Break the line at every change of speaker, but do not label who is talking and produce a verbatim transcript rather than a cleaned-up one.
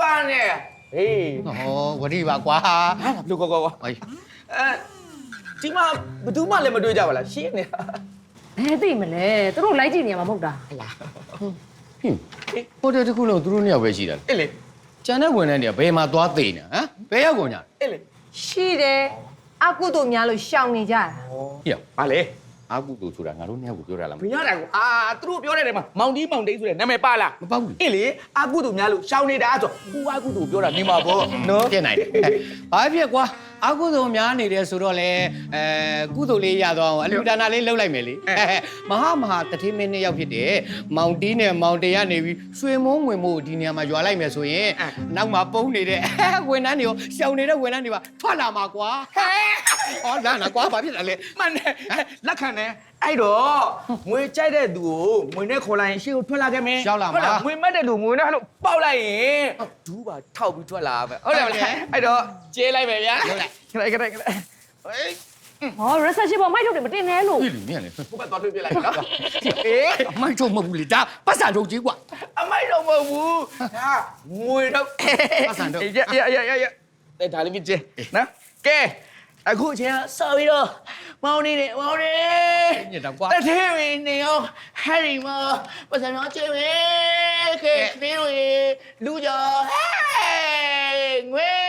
ပါနဲ့ဟေး
ဟောဝတိပါကွာ
ဟာလူကောကော
ဟေး
အဲဒီမှာဘယ်သူမှလည်းမတွေ့ကြပါလားရှင်းနေတာ
ဘယ်သိမလဲသူတို့လိုက်ကြည့်နေမှာမဟုတ်တာ
ဟလား
ဟင်းဟိုတယ်တစ်ခုလုံးသူတို့နှစ်ယောက်ပဲရှိတာ
အေးလေ
ကျန်တဲ့ဝန်ထမ်းတွေကဘယ်မှာသွားသိနေဟမ်ဘယ်ရောက်ကုန်ကြလဲ
အေးလေ
ရှိတယ်အကုသို့များလို့ရှောင်နေကြတာ
ဟေ့
ဘာလဲ
အာကုတူဆိုတာငါတို့နှစ်ယောက်ကိုပြောတာလား
မရတာကိုအာသူတို့ပြောတဲ့နေမှာမောင်တီးမောင်တိတ်ဆိုတဲ့နာမည်ပါလား
မပေါ့ဘူး
အေးလေအာကုသူများလို့ရှောင်းနေတာဆိုကိုအာကုသူပြောတာနေမှာပေါ့နော်
ပြစ်နိုင်တယ်ဘာဖြစ်ကွာအာကုသိုလ်များနေတယ်ဆိုတော့လေအဲကုသိုလ်လေးရတော့အလူဒါနာလေးလှုပ်လိုက်မယ်လေမဟာမဟာတတိမင်းနှစ်ယောက်ဖြစ်တယ်မောင်တီးနဲ့မောင်တေရနေပြီးရွှေမုံဝင်မို့ဒီနေရာမှာရွာလိုက်မယ်ဆိုရင်နောက်မှာပုံနေတဲ့ဝန်ထမ်းတွေရောရှောင်နေတဲ့ဝန်ထမ်းတွေပါထွက်လာမှာကွာဟောလာနာကွာဘာဖြစ်လဲလဲ
မှန်တယ်လက်ခံတယ်အဲ့တော့ငွေကြိုက်တဲ့သူကိုငွေနဲ့ခေါ်လိုက်ရင်ရှေ့ကိုထွက်လာခဲ့မယ်ငွေမက်တဲ့သူငွေနဲ့ဟလို့ပေါက်လိုက်ရင်ဒူးပါထောက်ပြီးထွက်လာပဲဟုတ်တယ်မလားအဲ့တော့ကျေးလိုက်ပဲဗျာဟုတ်လိုက်ခလိုက်ခလိုက်ခလိုက်ဟေး
ဟော research ပေါ်မိုက်ထုတ်တယ်မတင်နဲ့လို့
ပြီလေမြင်လေ
ဘုဘသွားထွေးပြလိုက်နော်အေး
မိုက်ထုတ်မဟုတ်ဘူးလေဒါပတ်စံထုတ်ကြီးကွာ
အမိုက်တော့မဟုတ်ဘူးဒါငွေတော့ရရရရရတဲ့ဒါလေးမြင်နော်ကဲအခုအချိန်ဆော်ပြီးတော့မောင်နေနေမောင်နေ
ညစ်တော့ကွာ
တထဲဝင်းနေအောင်ဟယ်ရီမောပတ်စံတော့ချေဝေးကဲခင်းဝေးလူကြောဟဲ့ငွေ